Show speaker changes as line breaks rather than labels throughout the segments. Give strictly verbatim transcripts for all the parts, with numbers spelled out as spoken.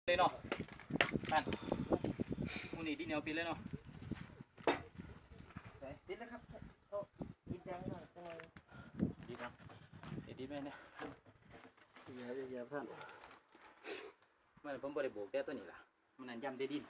เลยเนาะนั่นมูนี่ดินเหนียวปิดเลยเนาะ
ปิดแล้วครับโอ้ปิดแดงหน่อยจังเลย
ดีครับเสียดีไหมเนี่ยเยอะเยอะเพื่อนมันผมบริโภคแต่ตัวนี้ล่ะมันนั่นย่ำได้ดิน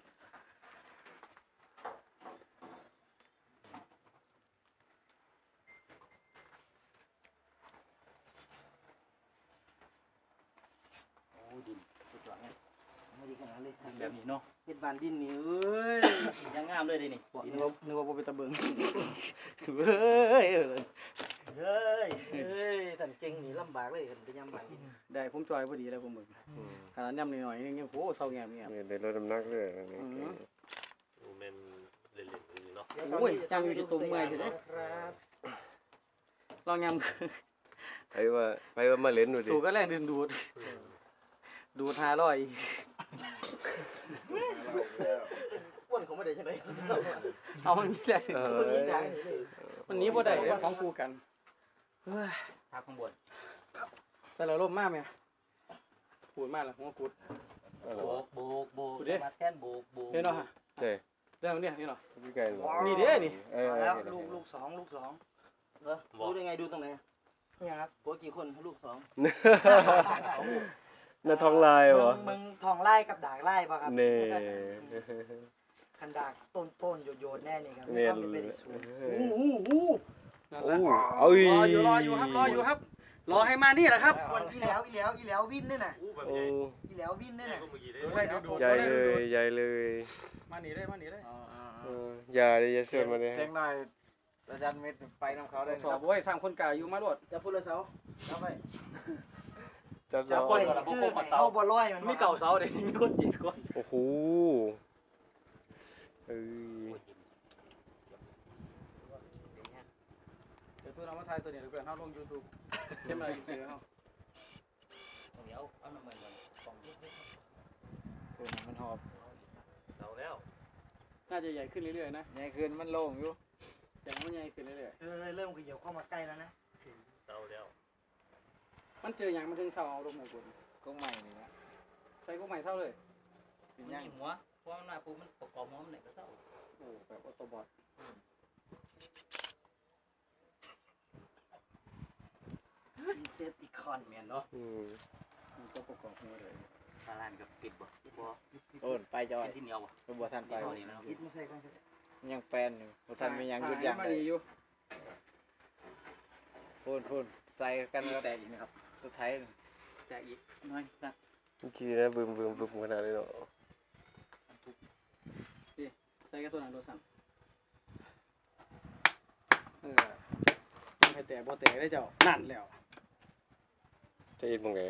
โอ้ดินสุดยอดเนี่ยไม่ดีขนาดเลยแบบนี้เนาะเฮ็ดบานดินนี่เอ้ยยังงามเลยดินี่นึกว่านึกว่าเป็นตะเบิงเฮ้ยเฮ้ยเฮ้ยท่านเก่งนี่ลำบากเลยท่านไปย่ำบานดินได้ผมจอยพอดีเลยผมเบิงขนาดย่ำหน่อยๆยังโอ้เศร้าแง่แง่
ได้ลดน้ำหนักเลยอันนี้
โอ้แม่นเล่นๆอย่างนี้เนาะ
โอ้ยย่ำอยู่ที่ตุ้มเมื่อยใช่ไหมครับลองย่ำ
ไปว่าไปว่ามาเล่นดูดิ
สูก็แรงดึงดูดดูดห้าร้อยอ้วนเขาไม่ได้ใช่ไหมเอามันมีแรงมันนี้ใจมันนี้บ่ได้ของกูกันทาข้างบนแต่เราล่มมากไหมปูดมากเลยหัวกุดโบกโบกโบกมาแท่นโบกโบก
เห็นเนาะใช่
เรื่องนี้นี่เนาะ
พี่ไก่
นี่เด้นี่
แล้วลูกลูกสองลูกสอง
เออดูได้ไงดูตรงไหน
นี่ครับ
โกกี่คนลูกสอง
น่าท้องลายวะ
มึงทองไล่กับด่างไล่ป่ะครับ
เน่
คันด่างต้นต้นโยโย่แน่นี่ครับ
เนี่ย
ไม่เป็นสูง
อู้อู้อู้
โอ้เอ้ย
รออยู่รออยู่ครับรออยู่ครับรอให้มานี่แหละครับ
วันอีแล้วอีแล้วอีแล้ววินเนี่ยนะ
อู้แบบ
โอ้
ใหญ่
อีแล้ววินเนี่ยนะ
ใหญ่เลยใหญ่เลย
มาหนีได้มาหนีได้
อย่าเลยอย่าเชิญมาเลย
แจ้งหน่อยอาจารย์เม็ดไปน้ำเขาได้
สอบโว้ยสร้างคนกาอยู่มาโลด
จะพูดละเสาจะไป
จับ
จะ
เสา
ไปคือเขาบ่ร้อยมัน
มีเก่าเสาเดี๋ยวมีคนจีดคน
โอ้โหเอ้ย
เดี๋ยวตัวน้องมาถ่ายตัวนี้เดี๋ยวเพื่อนเขาลงยูทูบเต็มอะไรอยู่เดี๋ยวเขาเดี๋ยวเอาน้ำมันก่อนสองยุบ
ตัวมันหอบ
เราแล้ว
น่าจะใหญ่ขึ้นเรื่อยๆนะ
ใหญ่ขึ้นมันโล่งอยู่
อย่างมันใหญ่ขึ้นเรื่อย
เออเริ่มขยับเข้ามาใกล้แล้วนะ
เราแล้ว
มันเจออย่างมันถึงเท่าเอาลงหมดคน
ก็ใหม่นี่นะ
ใส่ก็ใหม่เท่าเลย
มันมีหัวเพราะมันมาปุ๊บมันประกอบหัวมันไหนก็เท่า
โอ้แบบออโตบอท
ดีเซปติคอน
แมนเนาะ
อืม
มันก็ประกอบหัวเลย
ตาลานกับปิดบ่ปิดบ่
โอ้ไปจอย
ที่เหนียวบ่
ตัวบัวทันไป
ยิดไม่ใช่กัน
ยังแปลนอยู่บัวทันมียังยุดยังเลยพูนพูนใส่กันแล้ว
แตกอีกนะครับ
สุดท้าย
แตกอีกน้อยนะ
เมื่อกี้นะบึมบึมบึมขนาดนี้เนาะ
ใส่กระตัวนั้นโดนสั่งเออให้แตกบ่แตกได้เจ้านั่นแล้ว
จะอินมึงไง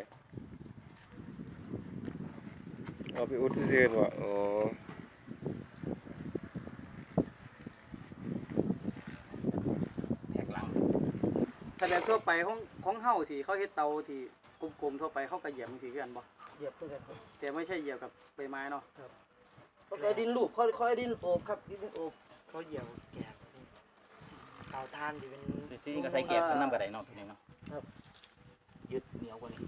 เอาไปอุดซื่อๆว่ะอ๋อ
แหกหลังถ้าแบบทั่วไปของของเฮาที่เขาเฮ็ดเตาที่กลมๆทั่วไปเขาก็เหยียบมันสิคือกันบ่
เหยียบเพื่อน
แต่ไม่ใช่เหยียบกับใบไม้เนาะ
ครับเขาใช้ดินลูกเขาเขาดินโอบครับดินโอบเขาเหยียบแกบเตาทานอยู่เป็น
จริงๆก็ใส่แกบกันน้ำกระไดเนาะทีนี้เนาะครับยึดเหนียวกว่านี้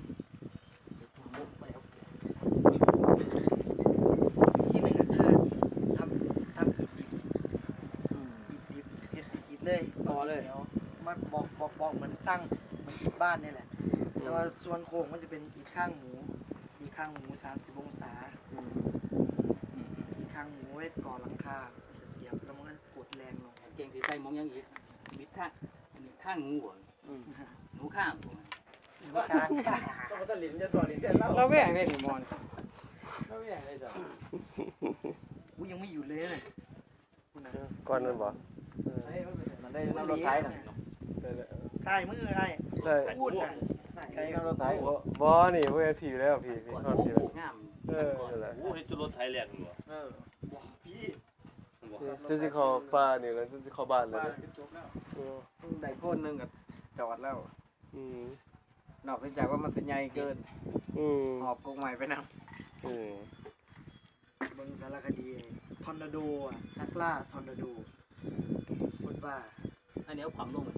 ที่หนึ่งก็คือทำทำอิฐดิบอิฐดิบเฮ็ดอิฐเลยต่อเลยเดี๋ยวมาบอกบอกบอกเหมือนสร้างมันอิฐบ้านนี่แหละแต่ว่าส่วนโค้งมันจะเป็นอิฐข้างหมูอิฐข้างหมูสามสิบองศาอิฐข้างหมูไว้ก่อหลังคาจะเสียบแล้วมันก็กดแรงลง
เก่งที่ใส่มองยังอีกมิดข้างมิดข้างงูบ่หนูข้างผม
ข้าง
ก็มันจะลิ้นจะต่อลิ้นจะเล่าเราแหว่งได้หนิมอนเราแหว่งได้จ้ะ
กูยังไม่อยู่เลยเลย
ก้อนนั่นบ่
มันได้น้ำรถไถน่ะ
ใส่มือไอ้
ใช่
พูดน่ะใส่
น้ำรถไถ
บ่นี่พวกผีแล้วผีผีทอดผีแล้วเออนั่นแหละ
โอ้เฮ็ดจุรถไทยแลนด์อยู่เออ
บ่พี่
จะสิเข้าป่านี่แล้วจะสิเข้าบ้านแล้ว
จบแล้ว
ได้พ่นนึงก็จอดแล้ว
อืม
นอกจากว่ามันสิใหญ่เกิน
อืม
หอบกงใหม่ไปนำ
อืม
เบิ่งสารคดีทอร์นาโดอ่ะนักล่าทอร์นาโดพูดว่า
อันนี้เอาความลง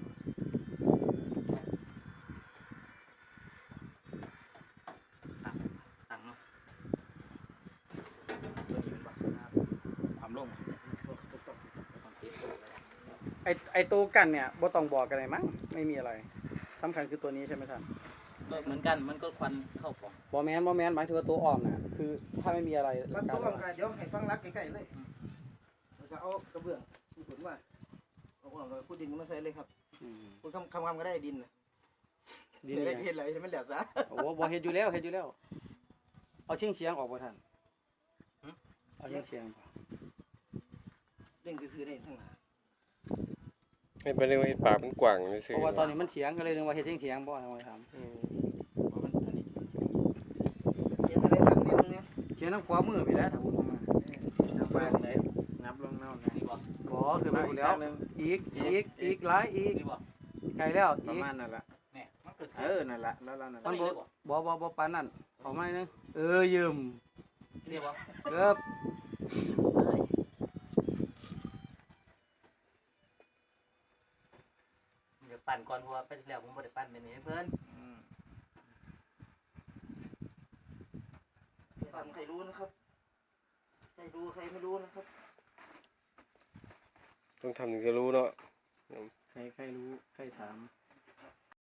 ตั้งตั้งเนาะไอไอตัวกันเนี่ยบ่ต้องบอกกันเลยมั้งไม่มีอะไรสำคัญคือตัวนี้ใช่ไหมท่าน
ก็เหมือนกันมันก็ควันเข้าปล่อง
บอแมนบอแมนหมายถึงว่าตัวอ้อมน่ะคือถ้าไม่มีอะไร
รักตัวร่างกายเดี๋ยวให้ฟังรักใกล้ๆเลยแล้วก็เอากระเบื้องที่ผลว่าเอาออกแล้วพูดดินมาใส่เลยครับ
อืม
พูดคำคำคำก็ได้ดินนะ
ดี
เดี๋ยว
เล
ได้
ย
เห็นอะไรจะไม่เหลือซะ
โอ้บ่เฮ็ดอยู่แล้วเฮ็ดอยู่แล้ว เอาเชียงเชียงออกบ่ท่านเอาเชียงเชียง
เร่งซื้อๆได้ทั้งหลาย
ให้ไปเรียกว่าเฮ็ดปากมันกว้างซื่
เพ
อ
ราะว่าตอนนี้มันเฉียงก็เลยนึกว่าเฮ็ดเชียงเชียงบ่ทำไมถาม
อืม
เพราะมันอันนี้
เสียอะไรทำเนี่ยตรงเนี้ย
เชียงน้ำขวามือไปแล้วถ้าพูดออกมา
นับไปไหนนับลงเน่านะ
นี่บ่
บ่คือไปพูดแล้ว อีกอีกอีกหลายอีก
นี่บ่
ไกลแล้ว
ประ
อีก
มาณนั่นแหละ
แน่มันเกิด
เออนั่นแหละแล้วเรานั่น
มัน
แหละ
บ่บ่บ่บ่ปานนั้นออกมาหน่อยนึงเออยืม
นี่บ่
เกือบ
เดี๋ยวปั่นก่อนเพราะว่าไปที่แล้วผมบ่ได้ปั่นเป็นนี้เพิ่น
อืม
ทำใครรู้นะครับใครรู้ใครไม่รู้นะครับ
ต้องทำถึงจะรู้เนาะ
ใครใครรู้ใครถาม